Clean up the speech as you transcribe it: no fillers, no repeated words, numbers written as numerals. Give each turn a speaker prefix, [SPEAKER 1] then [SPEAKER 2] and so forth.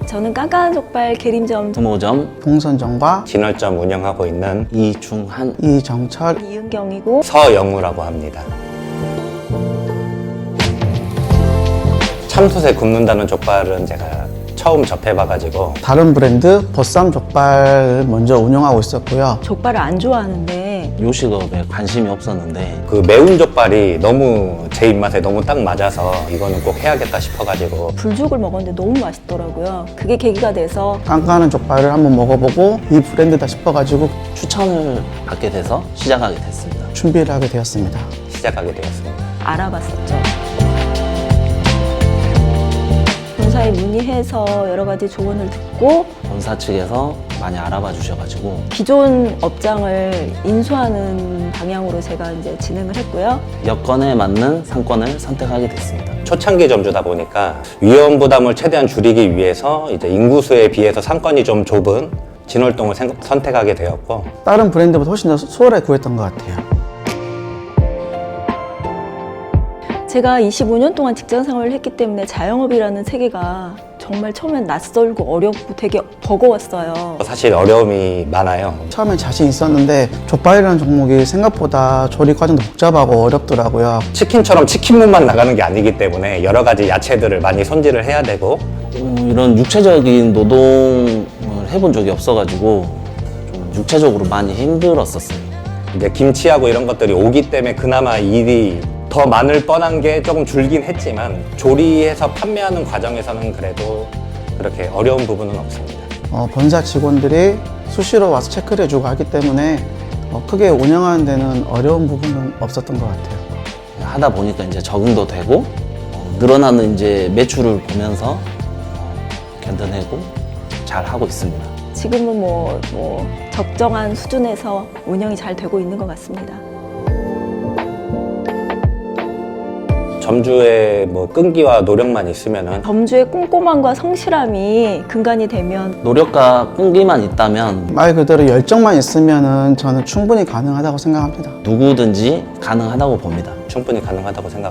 [SPEAKER 1] 저는 깐깐한 족발 계림점
[SPEAKER 2] 5점
[SPEAKER 3] 동선점과
[SPEAKER 4] 진월점 운영하고 있는
[SPEAKER 2] 이중한
[SPEAKER 3] 이정철
[SPEAKER 1] 이은경이고
[SPEAKER 4] 서영우라고 합니다. 참숯에 굽는다는 족발은 제가 처음 접해봐가지고
[SPEAKER 3] 다른 브랜드 버쌈 족발을 먼저 운영하고 있었고요.
[SPEAKER 1] 족발을 안 좋아하는데
[SPEAKER 2] 요식업에 관심이 없었는데
[SPEAKER 4] 그 매운 족발이 너무 제 입맛에 너무 딱 맞아서 이거는 꼭 해야겠다 싶어가지고
[SPEAKER 1] 불죽을 먹었는데 너무 맛있더라고요. 그게 계기가 돼서
[SPEAKER 3] 깐깐한 족발을 한번 먹어보고 이 브랜드다 싶어가지고
[SPEAKER 2] 추천을 받게 돼서 시작하게 됐습니다.
[SPEAKER 3] 준비를 하게 되었습니다.
[SPEAKER 4] 시작하게 되었습니다.
[SPEAKER 1] 알아봤었죠. 본사에 문의해서 여러 가지 조언을 듣고
[SPEAKER 2] 본사 측에서 많이 알아봐 주셔가지고
[SPEAKER 1] 기존 업장을 인수하는 방향으로 제가 이제 진행을 했고요.
[SPEAKER 2] 여건에 맞는 상권을 선택하게 됐습니다.
[SPEAKER 4] 초창기 점주다 보니까 위험 부담을 최대한 줄이기 위해서 이제 인구수에 비해서 상권이 좀 좁은 진월동을 선택하게 되었고
[SPEAKER 3] 다른 브랜드보다 훨씬 더 수월하게 구했던 것 같아요.
[SPEAKER 1] 제가 25년 동안 직장 생활을 했기 때문에 자영업이라는 세계가 정말 처음엔 낯설고 어렵고 되게 버거웠어요.
[SPEAKER 4] 사실 어려움이 많아요.
[SPEAKER 3] 처음엔 자신 있었는데 족발이라는 종목이 생각보다 조리 과정도 복잡하고 어렵더라고요.
[SPEAKER 4] 치킨처럼 치킨문만 나가는 게 아니기 때문에 여러 가지 야채들을 많이 손질을 해야 되고
[SPEAKER 2] 이런 육체적인 노동을 해본 적이 없어가지고 좀 육체적으로 많이 힘들었었어요.
[SPEAKER 4] 이제 김치하고 이런 것들이 오기 때문에 그나마 일이 더 많을 뻔한 게 조금 줄긴 했지만 조리해서 판매하는 과정에서는 그래도 그렇게 어려운 부분은 없습니다.
[SPEAKER 3] 본사 직원들이 수시로 와서 체크를 해주고 하기 때문에 크게 운영하는 데는 어려운 부분은 없었던 것 같아요.
[SPEAKER 2] 하다 보니까 이제 적응도 되고 늘어나는 이제 매출을 보면서 견뎌내고 잘 하고 있습니다.
[SPEAKER 1] 지금은 뭐 적정한 수준에서 운영이 잘 되고 있는 것 같습니다.
[SPEAKER 4] 점주의 뭐 끈기와 노력만 있으면은
[SPEAKER 1] 점주의 꼼꼼함과 성실함이 근간이 되면
[SPEAKER 2] 노력과 끈기만 있다면
[SPEAKER 3] 말 그대로 열정만 있으면은 저는 충분히 가능하다고 생각합니다.
[SPEAKER 2] 누구든지 가능하다고 봅니다.
[SPEAKER 4] 충분히 가능하다고 생각합니다.